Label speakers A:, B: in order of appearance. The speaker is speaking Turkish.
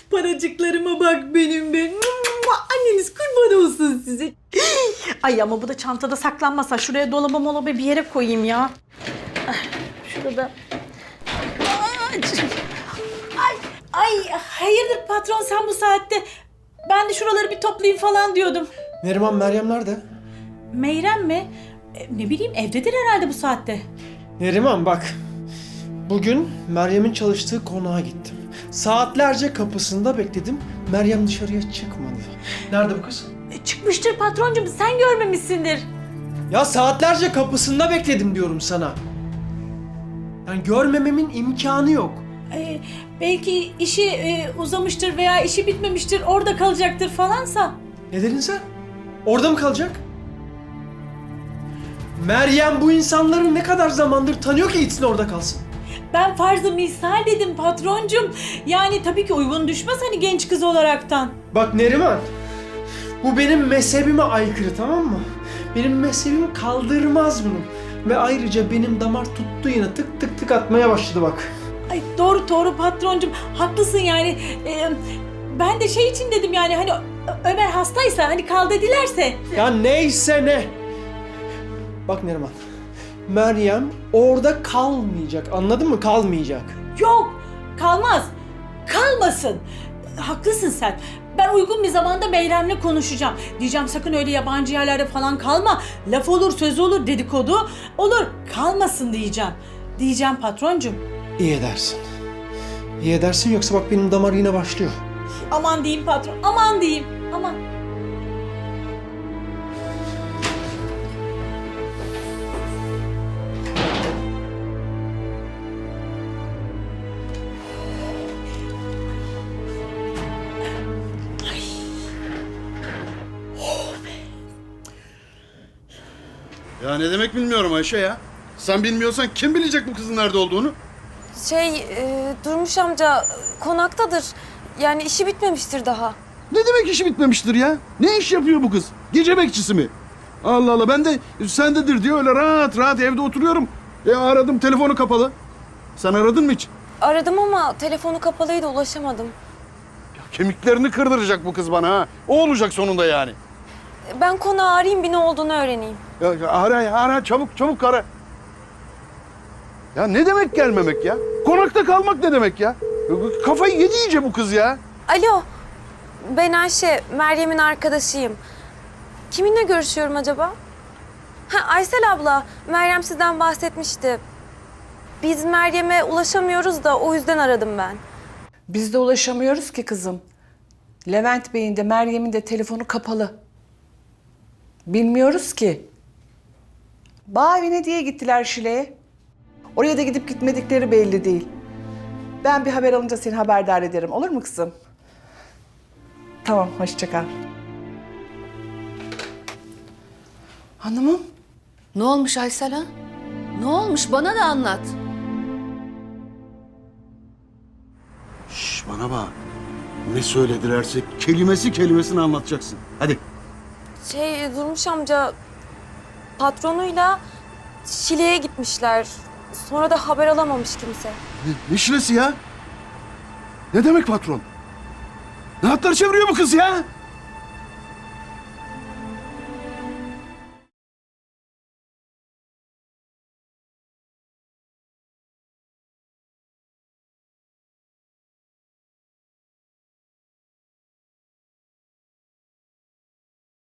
A: Paracıklarıma bak benim be. Anneniz kurban olsun size. Ay ama bu da çantada saklanmasa. Şuraya dolaba bir yere koyayım ya. Şurada. Ay hayırdır patron sen bu saatte? Ben de şuraları bir toplayayım falan diyordum.
B: Neriman, Meryem nerede?
A: Meyrem mi? Ne bileyim evdedir herhalde bu saatte.
B: Neriman bak. Bugün Meryem'in çalıştığı konağa gittim. Saatlerce kapısında bekledim. Meryem dışarıya çıkmadı. Nerede bu kız?
A: Çıkmıştır patroncum sen görmemişsindir.
B: Ya saatlerce kapısında bekledim diyorum sana. Yani görmememin imkanı yok.
A: Belki işi uzamıştır veya işi bitmemiştir orada kalacaktır falansa.
B: Ne dedin sen? Orada mı kalacak? Meryem bu insanları ne kadar zamandır tanıyor ki gitsin orada kalsın?
A: Ben farz-ı misal dedim patroncum. Yani tabii ki uygun düşmez hani genç kız olaraktan.
B: Bak Neriman, bu benim mezhebime aykırı, tamam mı? Benim mezhebim kaldırmaz bunu. Ve ayrıca benim damar tuttu yine, tık tık tık atmaya başladı bak.
A: Ay doğru patroncum haklısın yani. Ben de şey için dedim yani hani Ömer hastaysa hani kal dedilerse.
B: Ya neyse ne. Bak Neriman, Meryem orada kalmayacak, anladın mı? Kalmayacak.
A: Yok kalmaz. Kalmasın. Haklısın sen. Ben uygun bir zamanda Meyrem'le konuşacağım. Diyeceğim sakın öyle yabancı yerlerde falan kalma. Laf olur, söz olur, dedikodu olur. Kalmasın diyeceğim. Diyeceğim patroncum.
B: İyi edersin. İyi edersin yoksa bak benim damar yine başlıyor.
A: Aman diyeyim patron, aman diyeyim. Aman.
C: Ya ne demek bilmiyorum Ayşe ya. Sen bilmiyorsan kim bilecek bu kızın nerede olduğunu?
D: Durmuş amca konaktadır. Yani işi bitmemiştir daha.
C: Ne demek işi bitmemiştir ya? Ne iş yapıyor bu kız? Gece bekçisi mi? Allah Allah, ben de sendedir diye öyle rahat rahat evde oturuyorum. Aradım, telefonu kapalı. Sen aradın mı hiç?
D: Aradım ama telefonu kapalıydı, ulaşamadım.
C: Kemiklerini kırdıracak bu kız bana ha. O olacak sonunda yani.
D: Ben konağı arayayım, bir ne olduğunu öğreneyim.
C: Ya, ara çabuk ara. Ya ne demek gelmemek ya? Konakta kalmak ne demek ya? Kafayı yedi iyice bu kız ya.
D: Alo, ben Ayşe, Meryem'in arkadaşıyım. Kiminle görüşüyorum acaba? Aysel abla, Meryem sizden bahsetmişti. Biz Meryem'e ulaşamıyoruz da o yüzden aradım ben.
E: Biz de ulaşamıyoruz ki kızım. Levent Bey'in de Meryem'in de telefonu kapalı. Bilmiyoruz ki. Bağ evine diye gittiler Şile'ye. Oraya da gidip gitmedikleri belli değil. Ben bir haber alınca seni haberdar ederim. Olur mu kızım? Tamam, hoşça kal. Hanımım.
F: Ne olmuş Aysel ha? Ne olmuş? Bana da anlat.
C: Şş, bana bak. Ne söyledilerse kelimesini anlatacaksın. Hadi.
D: Durmuş amca, patronuyla Şile'ye gitmişler. Sonra da haber alamamış kimse.
C: Ne şilesi ya? Ne demek patron? Ne hatlar çeviriyor bu kız ya?